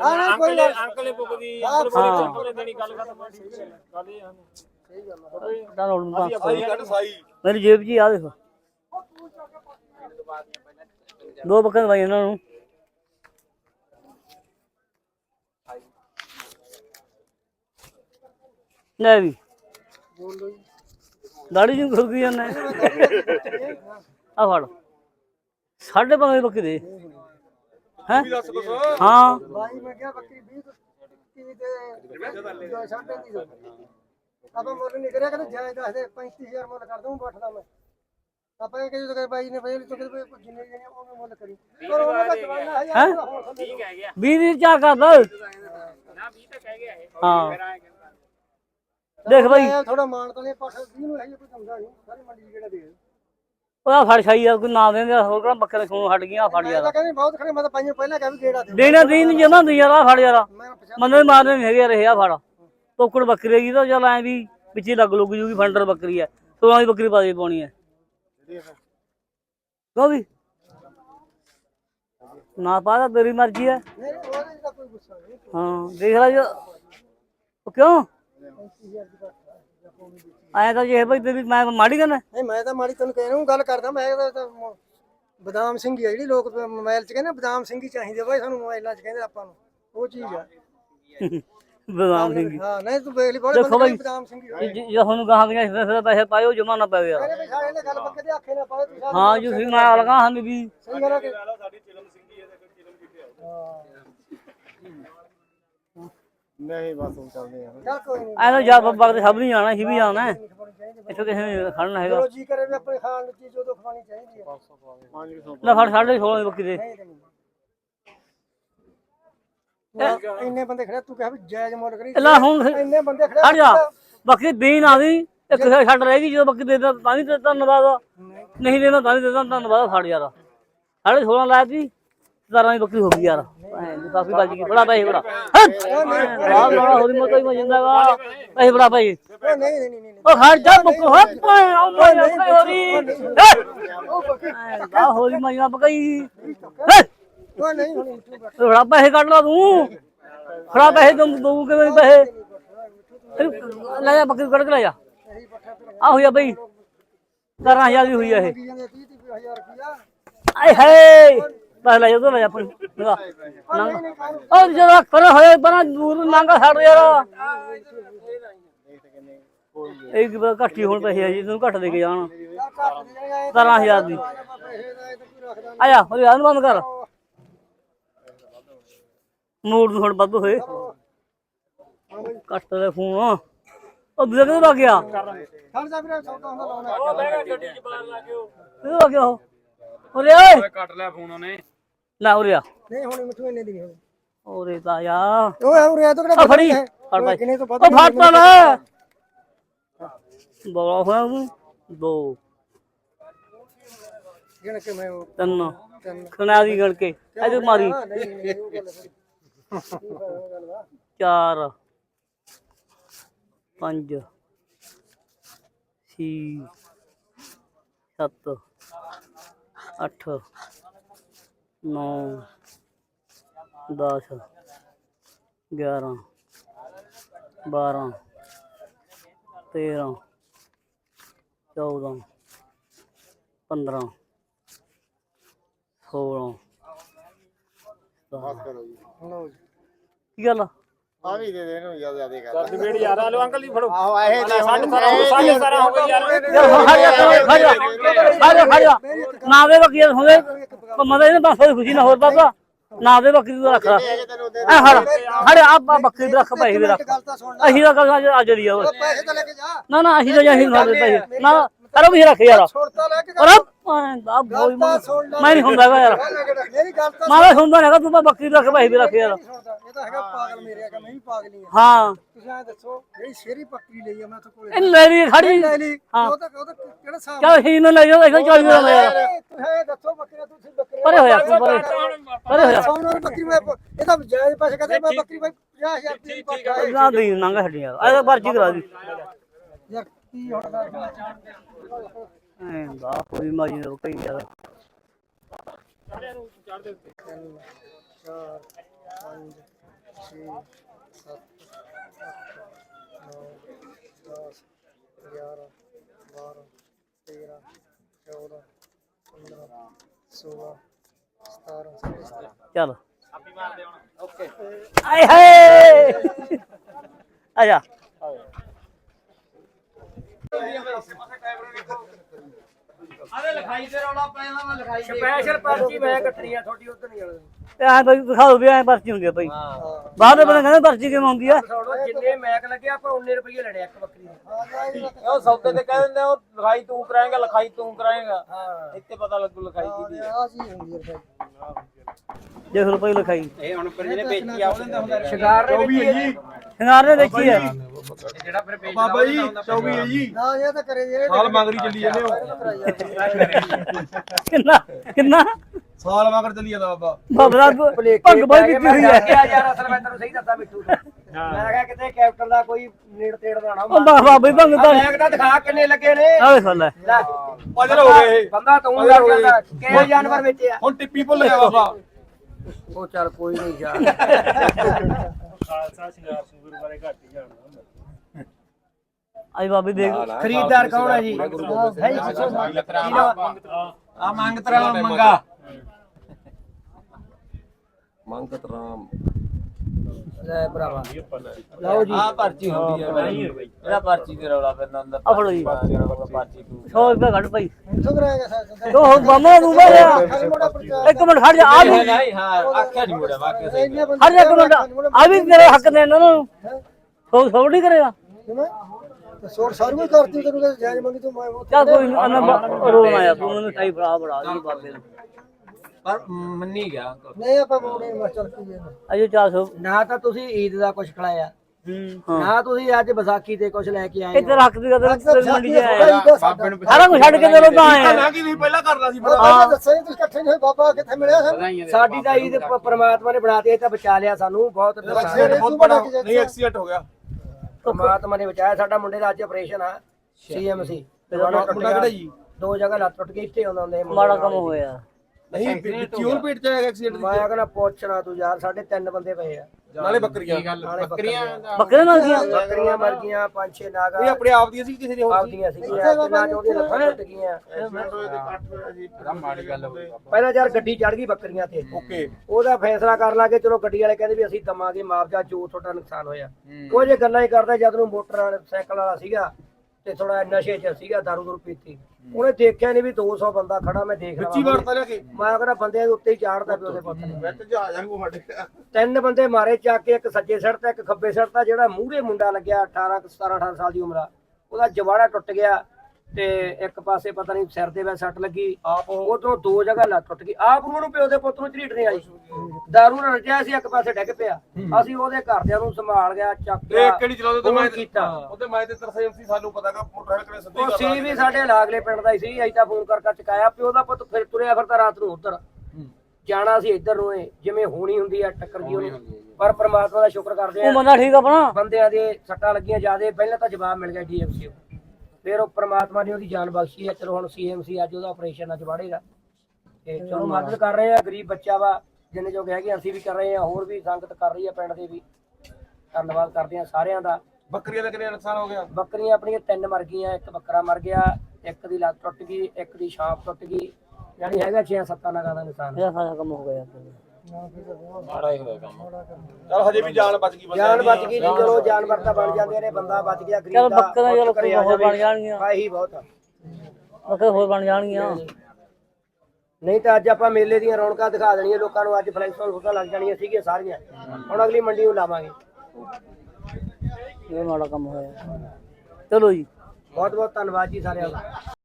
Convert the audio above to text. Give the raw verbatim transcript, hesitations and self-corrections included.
Uncle uncle ਨੇ ਪੁੱਗਦੀ uncle ਬੋਲੀ uncle ਨੇ ਦੇਣੀ ਗੱਲ ਖਤਮ ਠੀਕ ਹੈ ਗੱਲ ਇਹ ਹਨ ਸਹੀ ਗੱਲ ਆ ਮੇਰੀ ਜੇਬ 'ਚ ਹੀ ਆ ਦੇਖੋ ਦੋ ਬੱਕਰੇ ਭਾਈ ਇਹਨਾਂ ਨੂੰ ਲੈ ਵੀ ਦਾੜੀ ਜੀ ਖੁਰਕੀ ਜਾਂਦਾ ਆ ਫੜ ਸਾਢੇ ਪੰਜ ਬੱਕਰੀ ਦੇ ਹੈ ਹਾਂ ਬਾਈ ਮੈਂ ਕਿਹਾ ਬੱਕਰੀ ਵੀਹ ਤੀਹ ਤੇ ਸਾਢੇ ਤੀਹ ਆਪਾਂ ਮੁੱਲ ਨਹੀਂ ਕਰਿਆ ਕਹਿੰਦੇ ਜਾਇਜ਼ ਦੱਸ ਦੇ ਪੈਂਤੀ ਹਜ਼ਾਰ ਮੁੱਲ ਕਰ ਦੂੰ ਬੱਠਦਾ ਮੈਂ ਆਪਾਂ ਇਹ ਕਹਿੰਦੇ ਕਿ ਬਾਈ ਨੇ ਬਈ ਤੂੰ ਕਹਿੰਦੇ ਜਿੰਨੇ ਜਣੇ ਉਹਨੇ ਮੁੱਲ ਕਰੀ ਪਰ ਉਹਨਾਂ ਦਾ ਜਵਾਨਾ ਹੈ ਠੀਕ ਹੈ ਗਿਆ ਵੀਹ ਦੀ ਚਾ ਕਰਦਾ ਨਾ ਵੀਹ ਤਾਂ ਕਹਿ ਗਿਆ ਇਹ ਹਾਂ ਦੇਖ ਬਾਈ ਥੋੜਾ ਮਾਨ ਤਾਂ ਨਹੀਂ ਪੱਠ ਵੀਹ ਨੂੰ ਹੈ ਕੋਈ ਸਮਝਾ ਨਹੀਂ ਸਾਰੀ ਮੰਡੀ ਜਿਹੜਾ ਦੇ ਉਹ ਫੜ ਛਾਈ ਆ ਕੋਈ ਨਾ ਦੇਂਦੇ ਹੋਰ ਕਿਹੜਾ ਬੱਕਰੇ ਖੂਨ ਹਟ ਗਈਆਂ ਫੜ ਯਾਰ ਕਹਿੰਦੇ ਬਹੁਤ ਖੜੇ ਮੈਂ ਤਾਂ ਪਾਈਆਂ ਪਹਿਲਾਂ ਕਹਿ ਵੀ ਗੇੜਾ ਦੇ ਦੇਣਾ ਦੀਨ ਜਮਾ ਦੀ ਯਾਰ ਆ ਫੜ ਯਾਰ ਮੰਨੇ ਮਾਰਨੇ ਨਹੀਂ ਹੈਗੇ ਰਹੇ ਆ ਫੜ ਟੋਕੜ ਬੱਕਰੀ ਹੈਗੀ ਤਾਂ ਚੱਲ ਐ ਵੀ ਪਿੱਛੇ ਲੱਗ ਲੁੱਗ ਜੂਗੀ ਫੰਡਰ ਬੱਕਰੀ ਐ ਸੋਲਾਂ ਦੀ ਬੱਕਰੀ ਪਾਦੇ ਪਾਉਣੀ ਐ ਕੋ ਵੀ ਨਾ ਪਾਦਾ ਤੇਰੀ ਮਰਜ਼ੀ ਐ ਨਹੀਂ ਉਹਦੇ ਦਾ ਕੋਈ ਗੁੱਸਾ ਨਹੀਂ ਹਾਂ ਦੇਖ ਲੈ ਜੋ ਕਿਉਂ ਆਇਆ ਤਾਂ ਜੇ ਭਾਈ ਤੇਰੀ ਮੈਂ ਮਾੜੀ ਕਰਨਾ ਨਹੀਂ ਮੈਂ ਤਾਂ ਮਾੜੀ ਤੈਨੂੰ ਕਹਿ ਰਿਹਾ ਗੱਲ ਕਰਦਾ ਮੈਂ ਤਾਂ ਬਦਾਮ ਸਿੰਘ ਹੀ ਆ ਜਿਹੜੀ ਲੋਕ ਮੋਬਾਈਲ 'ਚ ਕਹਿੰਦੇ ਬਦਾਮ ਸਿੰਘ ਹੀ ਚਾਹੀਦੇ ਬਾਈ ਸਾਨੂੰ ਮੋਬਾਈਲਾਂ 'ਚ ਕਹਿੰਦੇ ਆਪਾਂ ਨੂੰ ਉਹ ਚੀਜ਼ ਆ ਬਦਾਮ ਸਿੰਘ ਹਾਂ ਨਹੀਂ ਤੂੰ ਵੇਖ ਲਈ ਬੜੇ ਬੰਦੇ ਬਦਾਮ ਸਿੰਘ ਹੀ ਜੇ ਤੁਹਾਨੂੰ ਗਾਹਾਂ ਦੀਆਂ ਫਿਰ ਪੈਸੇ ਪਾਇਓ ਜਮਾ ਨਾ ਪਾਇਓ ਯਾਰ ਕਹਿੰਦੇ ਸਾਰੇ ਨੇ ਗੱਲ ਬੱਕੇ ਦੇ ਆਖੇ ਨਾ ਪਾਓ ਤੁਸੀਂ ਹਾਂ ਜੀ ਤੁਸੀਂ ਮੈਂ ਲਗਾ ਹਾਂ ਵੀ ਸਹੀ ਗੱਲ ਹੈ ਕਿ ਸਾਡੀ ਚਿਲਮ ਸਿੰਘੀ ਹੈ ਤੇ ਚਿਲਮ ਕਿੱਥੇ ਆ ਨਹੀਂ ਬਸ ਹੁਣ ਚੱਲਦੇ ਆ ਚੱਲ ਕੋਈ ਨਹੀਂ ਐ ਤਾਂ ਜਾ ਬੱਬਾ ਤੇ ਸਭ ਨਹੀਂ ਜਾਣਾ ਹੀ ਵੀ ਜਾਣਾ ਇੱਥੋਂ ਕਿਸੇ ਨੇ ਖੜਨਾ ਹੈਗਾ ਚਲੋ ਜੀ ਕਰੇ ਵੀ ਆਪਣੇ ਖਾਣ ਨੂੰ ਚੀਜ਼ ਉਦੋਂ ਖਵਾਣੀ ਚਾਹੀਦੀ ਹੈ ਲੈ ਫੜ ਸਾਢੇ ਸੋਲਾਂ ਦੀ ਬੱਕਰੀ ਦੇ ਇੰਨੇ ਬੰਦੇ ਖੜੇ ਤੂੰ ਕਹਿ ਵੀ ਜਾਇਜ਼ ਮੁੱਲ ਕਰੀ ਲੈ ਹੁਣ ਇੰਨੇ ਬੰਦੇ ਖੜੇ ਹਟ ਜਾ ਬੱਕਰੀ ਦੇਣ ਆ ਗਈ ਇੱਕ ਛੱਡ ਰਹਿ ਗਈ ਜਦੋਂ ਬੱਕਰੀ ਦੇ ਦਿੱਤਾ ਤਾਂ ਵੀ ਤੇ ਧੰਨਵਾਦ ਨਹੀਂ ਦੇਣਾ ਤਾਂ ਵੀ ਦੇ ਦਿੱਤਾ ਧੰਨਵਾਦ ਫੜ ਯਾਰ ਸਾਢੇ ਸੋਲਾਂ ਲਾਇਆ ਸੀ ਸਤਾਰਾਂ ਦੀ ਬੱਕਰੀ ਹੋ ਗਈ ਯਾਰ ਕਾਫੀ ਵੱਜ ਗਈ ਬੜਾ ਪੈਸੇ ਬੜਾ ਆਹ ਬੜਾ ਹੋਰੀ ਮੋਟਾ ਹੀ ਮਜਿੰਦਾ ਵਾ ਪੈਸੇ ਬੜਾ ਭਾਈ ਨਹੀਂ ਨਹੀਂ ਨਹੀਂ ਉਹ ਖੜ ਜਾ ਬੁੱਕ ਹੋ ਉਹ ਮੋਈ ਹੋਰੀ ਆ ਹੋਰੀ ਮਜਿੰਦਾ ਬਕਈ ਉਹ ਨਹੀਂ ਹੁਣ ਬੜਾ ਪੈਸੇ ਕੱਢ ਲਾ ਤੂੰ ਬੜਾ ਪੈਸੇ ਤੂੰ ਦਊ ਕਿਵੇਂ ਪੈਸੇ ਲੈ ਜਾ ਬੱਕਰੀ ਕੱਢ ਕੇ ਲੈ ਜਾ ਆ ਹੋਇਆ ਬਈ ਸਤਾਰਾਂ ਹਜ਼ਾਰ ਦੀ ਹੋਈ ਆ ਇਹ ਆਏ ਹਾਏ ਬਸ ਲੈ ਜਾ ਤੂੰ ਲੈ ਜਾ ਆਪਣੀ ਉਹ ਜਿਹੜਾ ਕਰ ਹੋਏ ਬਣਾ ਦੂਰ ਮੰਗਾ ਛੱਡ ਯਾਰ ਇੱਕ ਘੱਟੀ ਹੁਣ ਪੈਸੇ ਆ ਜੀ ਤੈਨੂੰ ਘੱਟ ਦੇ ਕੇ ਜਾਣ ਸਤਾਰਾਂ ਹਜ਼ਾਰ ਦੀ ਆ ਜਾ ਉਹ ਯਾਰ ਬੰਦ ਕਰ ਮੋੜ ਨੂੰ ਹੁਣ ਵੱਧ ਹੋਏ ਕੱਟ ਦੇ ਫੋਨ ਉਹ ਦੂਜਾ ਕਿੱਥੇ ਲੱਗ ਗਿਆ ਖੜ ਜਾ ਵੀਰੇ ਸੌਦਾ ਹੁੰਦਾ ਲਾਉਣਾ ਉਹ ਬਹਿ ਗਿਆ ਗੱਡੀ 'ਚ ਬਾਹਰ ਲਾ ਕੇ ਉਹ ਕਿੱਥੇ ਲੱਗ ਗਿਆ ਉਹ ਉਰੇ ਓਏ ਕੱਟ ਲਿਆ ਫੋਨ ਉਹਨੇ ਲੈ ਉਰੇ ਆ ਨਹੀਂ ਹੁਣ ਮਿੱਠੂ ਇੰਨੇ ਦੀ ਨਹੀਂ ਉਰੇ ਤਾਂ ਯਾ ਓਏ ਉਰੇ ਆ ਤਾਂ ਆ ਫੜੀ ਫੜ ਭਾਈ ਕਿਨੇ ਤੋਂ ਉਹ ਫੜ ਤਾ ਲੈ ਬੋਲਾ ਹੋਇਆ ਤੂੰ ਦੋ ਗਿਣ ਕੇ ਮੈਂ ਤਿੰਨ ਖਣਾ ਦੀ ਗਣ ਕੇ ਇਹਦੇ ਮਾਰੀ ਚਾਰ ਪੰਜ ਛੇ ਸੱਤ ਅੱਠ ਨੌ ਦਸ ਗਿਆਰਾਂ ਬਾਰਾਂ ਤੇਰਾਂ ਚੌਦਾਂ ਪੰਦਰਾਂ ਸੋਲਾਂ ਕੀ ਗੱਲ ਆ ਵੀ ਦੇ ਦੇ ਇਹਨੂੰ ਜਿਆਦਾ ਦੇ ਕਰ ਡਿਬੇਟ ਯਾਰ ਆ ਲੋ ਅੰਕਲ ਜੀ ਫੜੋ ਆਹੋ ਇਹ ਦੇ ਸਾਢੇ ਸਤਾਰਾਂ ਹੋ ਗਈ ਯਾਰ ਨਾ ਦੇ ਬੱਕਰੀ ਹੁੰਦੇ ਮਜ਼ਾ ਇਹਨੇ ਬਸ ਹੋਈ ਖੁਸ਼ੀ ਨਾ ਹੋਰ ਬਾਬਾ ਨਾ ਦੇ ਬੱਕਰੀ ਦਾ ਰੱਖ ਐ ਹੜ ਹੜ ਆ ਬੱਕਰੀ ਦਾ ਰੱਖ ਪੈਸੇ ਵੀ ਰੱਖ ਅਸੀਂ ਤਾਂ ਗੱਲ ਅੱਜ ਦੀ ਆ ਪੈਸੇ ਤਾਂ ਲੈ ਕੇ ਜਾ ਨਾ ਨਾ ਅਸੀਂ ਤਾਂ ਅਸੀਂ ਨਾ ਦੇ ਪੈਸੇ ਨਾ ਕਰੋ ਵੀ ਰੱਖ ਯਾਰ ਛੋੜਤਾ ਲੈ ਕੇ ਅਰੇ ਆ ਬੋਈ ਮੈਂ ਨਹੀਂ ਹੁੰਦਾ ਯਾਰ ਮੇਰੀ ਗੱਲ ਤਾਂ ਮੈਂ ਹੁੰਦਾ ਹੈਗਾ ਤੂੰ ਤਾਂ ਬੱਕਰੀ ਰੱਖ ਪੈਸੇ ਵੀ ਰੱਖ ਯਾਰ ਇਹ ਤਾਂ ਹੈਗਾ ਪਾਗਲ ਮੇਰੇ ਆ ਮੈਂ ਵੀ ਪਾਗਲ ਹੀ ਆ ਹਾਂ ਤੁਸੀਂ ਐ ਦੱਸੋ ਜਿਹੜੀ ਸ਼ੇਰੀ ਪੱਕੀ ਲਈ ਆ ਮੈਂ ਤੋਂ ਕੋਲੇ ਇਹ ਲੈ ਲਈ ਖੜੀ ਲੈ ਲਈ ਹਾਂ ਉਹ ਤਾਂ ਉਹ ਤਾਂ ਕਿਹੜਾ ਹਿਸਾਬ ਚਲ ਹੀ ਨਾ ਲੈ ਜਾਓ ਇੱਥੇ ਚਾਲੀ ਦਾ ਲੈ ਯਾਰ ਤੁਸੀਂ ਇਹ ਦੱਸੋ ਬੱਕਰੀ ਤੁਸੀਂ ਬੱਕਰੀ ਪਰੇ ਹੋਇਆ ਤੂੰ ਪਰੇ ਪਰੇ ਹੋਇਆ ਸੌਣ ਬੱਕਰੀ ਮੈਂ ਇਹ ਤਾਂ ਜਾਇਜ਼ ਪੈਸੇ ਕਹਿੰਦੇ ਮੈਂ ਬੱਕਰੀ ਬਾਈ ਪੰਜਾਹ ਹਜ਼ਾਰ ਦੀ ਪੱਕਾ ਹੈ ਨਾ ਦੀ ਨੰਗਾ ਹੱਡੀ ਯਾਰ ਇਹ ਤਾਂ ਪਰਚੀ ਕਰਾ ਦੀ ਯਾਰ ਕੀ ਹੁਣ ਦਾ ਐਂ ਦਾ ਕੋਈ ਮਾਜੀ ਦਾ ਕਈ ਯਾਰ ਸਾਰਿਆਂ ਨੂੰ ਚੜ ਦੇ ਚਾਰ ਪੰਜ ਛੇ ਸੱਤ ਨੌ ਦਸ ਗਿਆਰਾਂ ਬਾਰਾਂ ਤੇਰਾਂ ਚੌਦਾਂ ਪੰਦਰਾਂ ਸੋਲਾਂ ਸਤਾਰਾਂ ਸਾਢੇ ਸਤਾਰਾਂ। ਚੱਲ ਆਪੀ ਮਾਰਦੇ ਹੁਣ ਓਕੇ ਆਏ ਹਾਏ ਆ ਜਾ ਆਵੇ ਲਿਖਾਈ ਤੇ ਰੌਲਾ ਪੈਣਾ ਮੈਂ ਲਿਖਾਈ ਸਪੈਸ਼ਲ ਪਰਚੀ ਮੈਂ ਕੱਟਣੀ ਆ ਤੁਹਾਡੀ ਉਧਰ ਨਹੀਂ ਆਉਣੀ ਤੇ ਐ ਬਈ ਦਿਖਾ ਦੋ ਵੀ ਐ ਪਰਚੀ ਹੁੰਦੀ ਆ ਭਾਈ ਬਾਹਰ ਦੇ ਬੰਦੇ ਕਹਿੰਦੇ ਪਰਚੀ ਕਿਵੇਂ ਹੁੰਦੀ ਆ ਜਿੰਨੇ ਮੈਕ ਲੱਗੇ ਆਪਾਂ ਉਨੇ ਰੁਪਏ ਲੈਣੇ ਇੱਕ ਬੱਕਰੀ ਦੇ ਉਹ ਸੌਦੇ ਤੇ ਕਹਿ ਦਿੰਦੇ ਉਹ ਲਿਖਾਈ ਤੂੰ ਕਰਾਏਗਾ ਲਿਖਾਈ ਤੂੰ ਕਰਾਏਗਾ ਹਾਂ ਇੱਥੇ ਪਤਾ ਲੱਗੂ ਲਿਖਾਈ ਕਿਹਦੀ ਆ ਚੀਜ਼ ਹੁੰਦੀ ਹੈ ਦੇਖ ਲਓ ਭਾਈ ਲਿਖਾਈ ਇਹ ਹੁਣ ਪਰ ਜਿਹਨੇ ਵੇਚੀ ਆ ਉਹਦੇ ਹੁੰਦਾ ਸ਼ਿਕਾਰ ਨੇ ਵੇਚੀ ਹੈ ਜੀ ਸ਼ਿੰਗਾਰ ਨੇ ਦੇਖੀ ਹੈ ਜਿਹੜਾ ਫਿਰ ਵੇਚਦਾ ਬਾਬਾ ਜੀ ਚੌਵੀ ਹੈ ਜੀ ਨਾ ਇਹ ਤਾਂ ਕਰੇ ਜਿਹੜੇ ਸਾਲ ਮੰਗਰੀ ਚੱਲੀ ਜਾਂਦੇ ਹੋ ਕਿੰਨਾ ਕਿੰਨਾ ਸਾਲ ਮੰਗਰ ਚੱਲੀ ਜਾਂਦਾ ਬਾਬਾ ਬਾਬਰਾ ਭੰਗ ਬਾਈ ਕੀਤੀ ਹੋਈ ਹੈ ਯਾਰ ਅਸਲ ਮੈਂ ਤੈਨੂੰ ਸਹੀ ਦੱਸਾਂ ਮਿੱਠੂ ਮੈਂ ਕਿਹਾ ਕਿਤੇ ਕੈਪਟਨ ਦਾ ਕੋਈ ਨੇੜ ਤੇੜ ਦਾ ਨਾ ਉਹ ਬਾਬਾ ਬਈ ਭੰਗ ਤਾਂ ਮੈਕ ਤਾਂ ਦਿਖਾ ਕਿੰਨੇ ਲੱਗੇ ਨੇ ਆਵੇ ਸੁਣ ਲੈ ਪਜਲ ਹੋ ਗਏ ਇਹ ਬੰਦਾ ਤੂੰ ਲੱਗ ਜਾਂਦਾ ਕਿਹੜੇ ਜਾਨਵਰ ਵੇਚੇ ਆ ਹੁਣ ਟਿੱਪੀ ਭੁੱਲ ਗਿਆ ਬਾਬਾ ਉਹ ਚੱਲ ਕੋਈ ਨਹੀਂ ਯਾਰ ਖਾਲਸਾ ਸ਼ਿੰਗਾਰ ਸੰਗੂਰ ਬਾਰੇ ਘੱਟ ਹੀ ਜਾਣਦਾ ਹੁੰਦਾ ਆਈ ਬਾਬੇ ਦੇਖ ਖਰੀਦਦਾਰ ਕੌਣ ਹੈ ਜੀ ਆ ਮੰਗਤ ਰਾਮ ਮੰਗਾ ਮੰਗਤ ਰਾਮ ਲੈ ਭਰਾਵਾ ਲਓ ਜੀ ਆ ਪਰਚੀ ਹੁੰਦੀ ਹੈ ਇਹਦਾ ਪਰਚੀ ਤੇ ਰੌਲਾ ਫਿਰ ਅੰਦਰ ਆ ਫੜੋ ਜੀ ਪਰਚੀ ਤੂੰ ਸੌ ਰੁਪਏ ਕੱਢ ਭਾਈ ਇੱਥੋਂ ਕਰਾਏਗਾ ਸਾਰਾ ਤੋ ਹੁਣ ਬਾਮਾ ਨੂੰ ਮਾਰਿਆ ਮੋੜਾ ਪ੍ਰਚਾਰ ਇੱਕ ਮਿੰਟ ਖੜ ਜਾ ਆ ਵੀ ਨਹੀਂ ਹਾਂ ਆਖਿਆ ਨਹੀਂ ਮੁੜਿਆ ਵਾਕਿਆ ਸਹੀ ਇੰਨੇ ਬੰਦੇ ਖੜ ਜਾ ਇੱਕ ਮਿੰਟ ਆ ਵੀ ਤੇਰੇ ਹੱਕ ਦੇ ਇਹਨਾਂ ਨੂੰ ਸੌ ਸੌ ਨਹੀਂ ਕਰੇਗਾ ਕਿਵੇਂ ਤੇ ਸੋਰ ਸਾਰੂ ਹੀ ਕਰਤੀ ਤੈਨੂੰ ਕਹਿੰਦਾ ਜਾਇਜ਼ ਮੰਗੀ ਤੂੰ ਮੈਂ ਉੱਥੇ ਚੱਲ ਕੋਈ ਨਾ ਮੈਂ ਰੋਣਾ ਆ ਤੂੰ ਮੈਨੂੰ ਸਹੀ ਫੜਾ ਬੜਾ ਜੀ ਬਾਬੇ ਨੂੰ ਪਰ ਮੰਨੀ ਗਿਆ ਨਹੀਂ ਆਪਾਂ ਮੋੜੇ ਮਾ ਚੱਲ ਕੀ ਅਜੇ ਚਾਰ ਸੌ ਨਾ ਤਾਂ ਤੁਸੀਂ ਈਦ ਦਾ ਕੁਝ ਖਿਲਾਇਆ ਹਾਂ ਨਾ ਤੁਸੀਂ ਅੱਜ ਵਿਸਾਖੀ ਤੇ ਕੁਝ ਲੈ ਕੇ ਆਏ ਇੱਥੇ ਰੱਖ ਦੀ ਗੱਲ ਤੇਰੀ ਮੰਡੀ ਚ ਆਇਆ ਬਾਬੇ ਨੂੰ ਸਾਰਾ ਕੁਝ ਛੱਡ ਕੇ ਤੇ ਲੋਕਾਂ ਆਏ ਨਾ ਕੀ ਤੁਸੀਂ ਪਹਿਲਾਂ ਕਰਨਾ ਸੀ ਬਾਬਾ ਦੱਸਿਆ ਤੁਸੀਂ ਇਕੱਠੇ ਨਹੀਂ ਹੋਏ ਬਾਬਾ ਕਿੱਥੇ ਮਿਲਿਆ ਸਾਨੂੰ ਸਾਡੀ ਤਾਂ ਈਦ ਪ- ਪ੍ਰਮਾਤਮਾ ਨੇ ਬਣਾਤੀ ਇਹ ਤਾਂ ਬਚਾ ਲਿਆ ਸਾਨੂੰ ਬਹੁਤ ਨੁਕਸਾਨ ਐਕਸੀਡੈਂਟ ਬਹੁਤ ਬੜਾ ਨਹੀਂ ਐਕਸੀਡੈਂਟ ਹੋ ਗਿਆ ਪ੍ਰਮਾਤਮਾ ਨੇ ਬਚਾਇਆ ਸਾਡਾ ਮੁੰਡੇ ਦਾ ਅੱਜ ਆਪਰੇਸ਼ਨ ਆ ਸੀਐਮਸੀ ਮੁੰਡਾ ਕਿਹੜਾ ਜੀ ਦੋ ਜਗ੍ਹਾ ਲੱਤ ਟੁੱਟ ਗਈ ਇੱਥੇ ਆਉਂਦਾ ਹੁੰਦੇ ਮਾੜਾ ਕੰਮ ਹੋਇਆ ਨਹੀਂ ਕਿਉਂ ਪੇਟ ਚ ਆਇਆ ਐਕਸੀਡੈਂਟ ਮੈਂ ਕਹਿੰਦਾ ਪੁੱਛਣਾ ਤੂੰ ਯਾਰ ਸਾਡੇ ਤਿੰਨ ਬੰਦੇ ਪਏ ਆ ਨਾਲੇ ਬੱਕਰੀਆਂ ਨਾਲੇ ਬੱਕਰੀਆਂ ਬੱਕਰੇ ਨਾਲ ਗਿਆ ਬੱਕਰੀਆਂ ਮਰ ਗਈਆਂ ਪੰਜ ਛੇ ਨਾਗਾ ਇਹ ਆਪਣੇ ਆਪ ਦੀਆਂ ਸੀ ਕਿਸੇ ਦੀ ਹੋਰ ਆਪਦੀਆਂ ਸੀਗੀਆਂ ਤਿੰਨਾਂ ਚੋਂ ਲੱਤਾਂ ਟੁੱਟ ਗਈਆਂ ਮਾੜੀ ਗੱਲ ਹੋ ਗਈ ਪਹਿਲਾਂ ਯਾਰ ਗੱਡੀ ਚੜ ਗਈ ਬੱਕਰੀਆਂ ਤੇ ਓਕੇ ਉਹਦਾ ਫੈਸਲਾ ਕਰ ਲਾਂਗੇ ਚਲੋ ਗੱਡੀ ਵਾਲੇ ਕਹਿੰਦੇ ਵੀ ਅਸੀਂ ਦਵਾਂਗੇ ਮੁਆਵਜ਼ਾ ਜੋ ਤੁਹਾਡਾ ਨੁਕਸਾਨ ਹੋਇਆ ਉਹ ਜੇ ਗੱਲਾਂ ਹੀ ਕਰਦਾ ਜਦ ਨੂੰ ਮੋਟਰ ਵਾਲਾ ਸਾਈਕਲ ਵਾਲਾ ਸੀਗਾ ਤੇ ਥੋੜਾ ਨਸ਼ੇ 'ਚ ਸੀਗਾ ਦਾਰੂ ਦੂਰ ਪੀਤੀ ਉਹਨੇ ਦੇਖਿਆ ਨਹੀਂ ਵੀ ਦੋ ਸੌ ਬੰਦਾ ਖੜਾ ਮੈਂ ਦੇਖ ਵਿੱਚੀ ਰਿਹਾ ਵੜਤਾ ਲਿਆ ਕੇ ਮੈਂ ਕਹਿੰਦਾ ਬੰਦਿਆਂ ਦੇ ਉੱਤੇ ਹੀ ਚਾੜਦਾ ਪਿਓ ਦੇ ਪੁੱਤ ਨੇ ਵਿੱਚ ਜਾ ਜਾਂਗੂ ਸਾਡੇ ਤਿੰਨ ਬੰਦੇ ਮਾਰੇ ਚੱਕ ਕੇ ਇੱਕ ਸੱਜੇ ਸਿਰ ਤੇ ਇੱਕ ਖੱਬੇ ਸਿਰ ਤੇ ਜਿਹੜਾ ਮੂਹਰੇ ਮੁੰਡਾ ਲੱਗਿਆ ਅਠਾਰਾਂ ਸਤਾਰਾਂ ਅਠਾਰਾਂ ਸਾਲ ਦੀ ਉਮਰ ਆ ਉਹਦਾ ਜਵਾੜਾ ਟੁੱਟ ਗਿਆ ਤੇ ਇੱਕ ਪਾਸੇ ਪਤਾ ਨਹੀਂ ਸਿਰ ਦੇ ਵਿੱਚ ਸੱਟ ਲੱਗੀ ਆਪ ਉਧਰੋਂ ਦੋ ਜਗ੍ਹਾ ਲੱਤ ਟੁੱਟ ਗਈ ਆਪ ਨੂੰ ਪਿਓ ਦੇ ਪੁੱਤ ਨੂੰ ਝਰੀਟਣੇ ਆਈ ਦਾਰੂ ਨਾਲ ਰਜਿਆ ਸੀ ਇੱਕ ਪਾਸੇ ਡਿੱਗ ਪਿਆ ਅਸੀਂ ਉਹਦੇ ਘਰਦਿਆਂ ਨੂੰ ਸੰਭਾਲ ਗਿਆ ਚੱਕ ਇਹ ਕੇ ਕਿਹੜੀ ਚਲਾਉਂਦੇ ਤੇ ਫੋਨ ਮੈਂ ਕੀਤਾ ਉਹਦੇ ਮੈਂ ਤੇ ਤਰਸੇਮ ਸੀ ਸਾਨੂੰ ਪਤਾਗਾ ਮੋਟਰ ਕਿਵੇਂ ਸਿੱਧੀ ਉਹ ਸੀ ਵੀ ਸਾਡੇ ਲਾਗਲੇ ਪਿੰਡ ਦਾ ਹੀ ਸੀ ਅਸੀਂ ਤਾਂ ਫੋਨ ਕਰ ਕਰ ਚਕਾਇਆ ਪਿਓ ਦਾ ਪੁੱਤ ਫਿਰ ਤੁਰਿਆ ਫਿਰਦਾ ਰਾਤ ਨੂੰ ਉਧਰ ਜਾਣਾ ਸੀ ਇੱਧਰ ਨੂੰ ਏ ਜਿਵੇਂ ਹੋਣੀ ਹੁੰਦੀ ਆ ਟੱਕਰ ਗਈ ਉਹਨੂੰ ਪਰ ਪ੍ਰਮਾਤਮਾ ਦਾ ਸ਼ੁਕਰ ਕਰਦੇ ਉਹ ਆ ਬੰਦਾ ਠੀਕ ਆਪਣਾ ਬੰਦਿਆਂ ਦੇ ਸੱਟਾਂ ਲੱਗੀਆਂ ਜਿਆਦੇ ਪਹਿਲਾਂ ਤਾਂ ਜਵਾਬ ਮਿਲ ਗਿਆ ਡੀਐਮਸੀ ਫਿਰ ਉਹ ਪ੍ਰਮਾਤਮਾ ਨੇ ਉਹਦੀ ਜਾਨ ਬਖਸ਼ੀ ਹੈ ਚਲੋ ਹੁਣ ਸੀਐਮਸੀ ਅੱਜ ਉਹਦਾ ਆਪਰੇਸ਼ਨ ਅੱਜ ਵਾੜੇਗਾ ਤੇ ਚਲੋ ਮਦਦ ਕਰ ਰਹੇ ਆ ਗਰੀਬ ਬੱਚਾ ਵਾ ਜਿੰਨੇ ਜੋ ਹੈਗੇ ਅਸੀਂ ਵੀ ਕਰ ਰਹੇ ਆ ਹੋਰ ਵੀ ਸੰਗਤ ਕਰ ਰਹੀ ਆ ਪਿੰਡ ਦੇ ਵੀ ਧੰਨਵਾਦ ਕਰਦੇ ਆ ਸਾਰਿਆਂ ਦਾ ਬੱਕਰੀਆਂ ਦਾ ਕਿੰਨਾ ਨੁਕਸਾਨ ਹੋ ਗਿਆ ਬੱਕਰੀਆਂ ਆਪਣੀਆਂ ਤਿੰਨ ਮਰ ਗਈਆਂ ਇੱਕ ਬੱਕਰਾ ਮਰ ਗਿਆ ਇੱਕ ਦੀ ਲੱਤ ਟੁੱਟ ਗਈ ਇੱਕ ਦੀ ਛਾਪ ਟੁੱਟ ਗਈ ਯਾਨੀ ਹੈਗਾ ਛੇ ਸੱਤ ਨਗਾਂ ਦਾ ਨੁਕਸਾਨ ਇਹ ਸਾਰਾ ਕੰਮ ਹੋ ਗਿਆ ਮਾੜਾ ਹੀ ਹੋਇਆ ਕੰਮ ਚਲ ਹਜੇ ਵੀ ਜਾਨ ਬਚ ਗਈ ਜਾਨ ਬਚ ਗਈ ਜੀ ਚਲੋ ਜਾਨਵਰ ਤਾਂ ਬਣ ਜਾਂਦੇ ਨੇ ਬੰਦਾ ਬਚ ਗਿਆ ਗਰੀਬ ਚਲ ਦਾ ਬੱਕਰਾ ਚਲੋ ਕੋਈ ਹੋਰ ਬਣ ਜਾਣਗੀਆਂ ਆਹੀ ਬਹੁਤ ਆ ਬੱਕਰੇ ਹੋਰ ਬਣ ਜਾਣਗੀਆਂ ਨਹੀਂ ਤਾਂ ਅੱਜ ਆਪਾਂ ਮੇਲੇ ਦੀਆਂ ਰੌਣਕਾਂ ਦਿਖਾ ਦੇਣੀਆਂ ਲੋਕਾਂ ਨੂੰ ਅੱਜ ਫਲੈਕਸ ਫੁੱਟਾਂ ਲੱਗ ਜਾਣੀਆਂ ਸੀਗੀਆਂ ਸਾਰੀਆਂ ਹੁਣ ਅਗਲੀ ਮੰਡੀ ਨੂੰ ਲਾਵਾਂਗੇ ਇਹ ਮਾੜਾ ਕੰਮ ਹੋਇਆ ਚਲੋ ਜੀ ਬਹੁਤ ਬਹੁਤ ਧੰਨਵਾਦ ਜੀ ਸਾਰਿਆਂ ਦਾ